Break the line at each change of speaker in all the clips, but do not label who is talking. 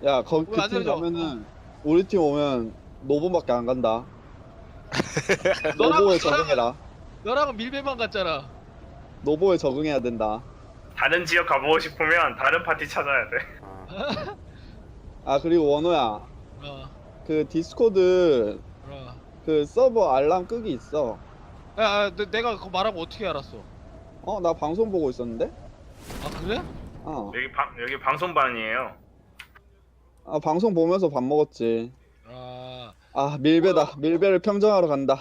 야, 그
왜안
팀
내려줘?
가면은 우리 팀 오면 노보밖에 안 간다.
너랑
노보에 적응해라.
너랑은 밀배만 갔잖아.
노보에 적응해야 된다.
다른 지역 가보고 싶으면 다른 파티 찾아야 돼.
아, 그리고 원호야,
어,
그 디스코드
어.
그 서버 알람 끄기 있어.
내가 그거 말하고 어떻게 알았어?
어, 나 방송 보고 있었는데?
아 그래?
어.
여기 방송반이에요.
아, 방송 보면서 밥 먹었지.
아
아, 밀배다. 밀배를 평정하러 간다.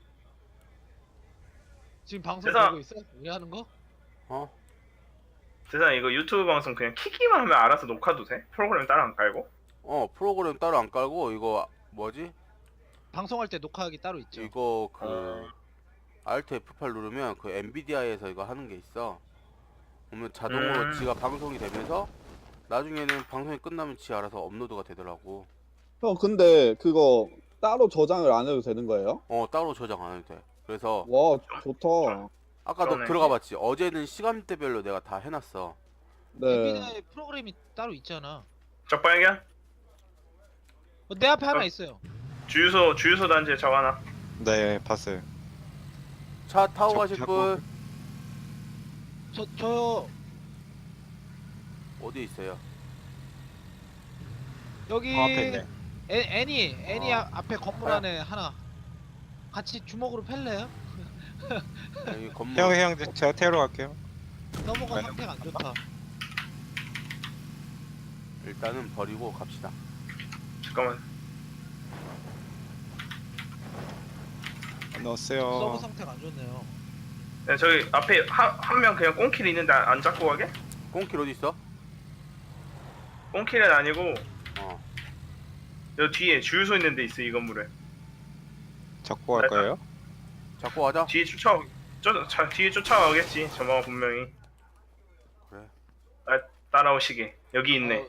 지금 방송
세상-
보고 있어? 우리 하는 거?
어?
세상 이거 유튜브 방송 그냥 키기만 하면 알아서 녹화도 돼? 프로그램 따로 안 깔고?
프로그램 따로 안 깔고 이거 뭐지?
방송할 때 녹화하기 따로 있죠.
이거 그 Alt F8 누르면 그 엔비디아에서 이거 하는 게 있어. 그러면 자동으로 지가 방송이 되면서 나중에는 방송이 끝나면 지 알아서 업로드가 되더라고.
형, 근데 그거 따로 저장을 안 해도 되는 거예요?
따로 저장 안 해도 돼. 그래서
와, 좋다.
아까 너
그러네.
들어가 봤지? 어제는 시간대별로 내가 다 해놨어.
네.
엔비디아에 프로그램이 따로 있잖아.
적발견?
내 앞에 하나 있어요.
주유소 단지에 적어놔.
네, 봤어요.
차 타고
저-
가실
자꾸-
분
저
어디 있어요?
여기
앞에 있네.
애니 앞에 건물
아.
안에 하나 같이 주먹으로 팰래요?
여기 건물.
형, 제가 태우러 갈게요.
서버가
네.
상태가 안 좋다.
일단은 버리고 갑시다.
잠깐만.
서버
넣었어요.
상태가 안 좋네요.
야, 저기 앞에 한 명 그냥 꽁킬 있는데 안 잡고 가게?
꽁킬 어디 있어?
꽁킬은 아니고
어.
여기 뒤에 주유소 있는 데 있어 이 건물에.
잡고 갈 거예요?
잡고 가자.
뒤에 뒤에 쫓아가겠지 저마가 분명히.
그래.
따라오시게. 여기 있네.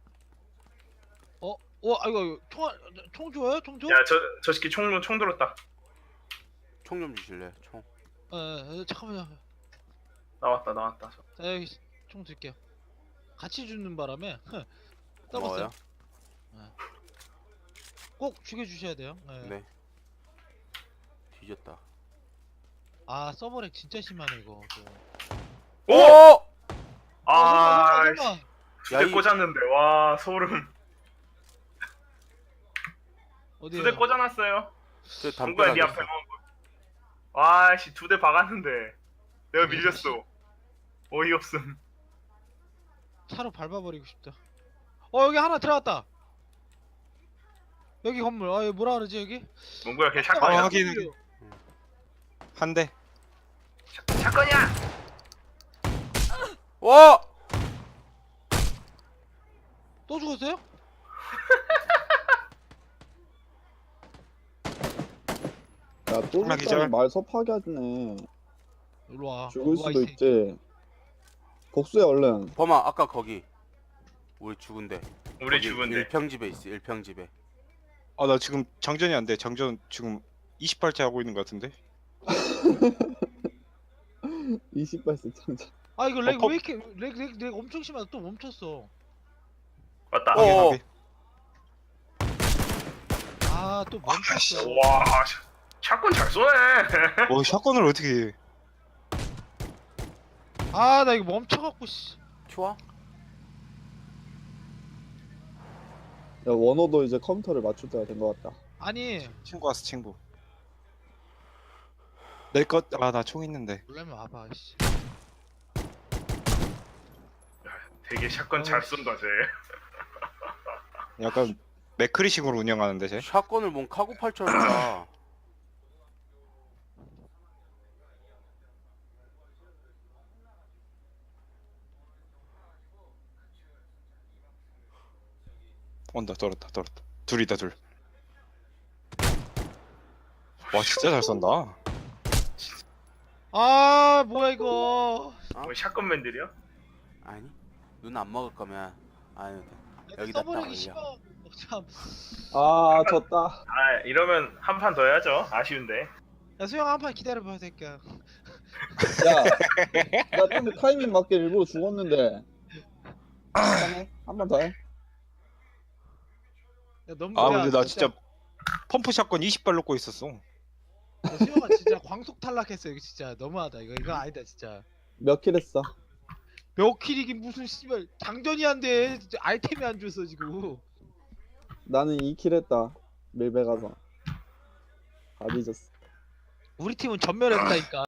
이거 총 줘요? 총 줘?
야 저 새끼 총 들었다.
총 좀 주실래? 총.
잠깐만요.
나왔다.
자 여기 총 드릴게요. 같이 주는 바람에
고마워요.
떠봤어요. 꼭 죽여주셔야 돼요.
네. 뒤졌다.
아 서버렉 진짜 심하네 이거.
오! 아,
설마.
두 대
야, 이-
꽂았는데 와 소름.
어디요?
두 대 꽂아놨어요.
저
누가 네 앞에
담벼락에
놓은 거. 와씨 두 대 박았는데 내가 밀렸어. 어이없음.
차로 밟아버리고 싶다. 여기 하나 들어갔다. 여기 건물. 여기 뭐라 그러지 여기?
뭔가야 걔
아,
샷건이야.
확인. 한 대.
샷건이야.
와!
또 죽었어요?
야, 또
하나
죽다니
기절.
말 섭하게 하네.
일로 와.
죽을
일로 와,
수도
이 새끼.
있지. 복수해, 얼른.
범아 아까 거기 우리 죽은데.
우리
거기
죽은데.
일평집에 있어. 일평집에.
아, 나 지금 장전이 안 돼. 장전 지금 28째 하고 있는 것 같은데.
20발씩 창작.
이거 렉
퍽.
왜 이렇게 렉 엄청 심하다. 또 멈췄어.
맞다.
어.
또 멈췄어.
와 샷건 잘 쏘네.
샷건을 어떻게 해?
나 이거 멈춰갖고 씨.
좋아?
야, 원호도 이제 컴퓨터를 맞출 때가 된 것 같다.
아니
친구 왔어, 친구. 나 총 있는데.
놀라면 와봐 씨.
되게 샷건 잘 쏜다 쟤.
약간 맥크리식으로 운영하는데, 쟤.
샷건을 뭔 카고팔처럼 쏴.
떨었다. 둘이다, 둘. 와, 진짜 잘 쏜다.
뭐야 이거.
뭐 샷건맨들이야?
아니. 눈 안 먹을 거면 안 해도 돼. 여기다 딱
서버렉이
올려.
심하. 참.
아, 졌다.
아 이러면 한 판 더 해야죠. 아쉬운데.
야 수영 한 판 기다려봐 새끼야.
야, 나 근데 타이밍 맞게 일부러 죽었는데. 한 번 더 해.
야 너무
아
야,
근데 나 진짜 펌프 샷건 20발 놓고 있었어.
야, 수영아 진짜 광속 탈락했어. 이거 진짜 너무하다. 이거 아니다 진짜.
몇 킬 했어?
몇 킬이긴 무슨 씨발 장전이 안 돼. 진짜 아이템이 안 줬어 지금.
나는 2킬 했다. 밀배 가서. 다 뒤졌어.
우리 팀은 전멸했다니까.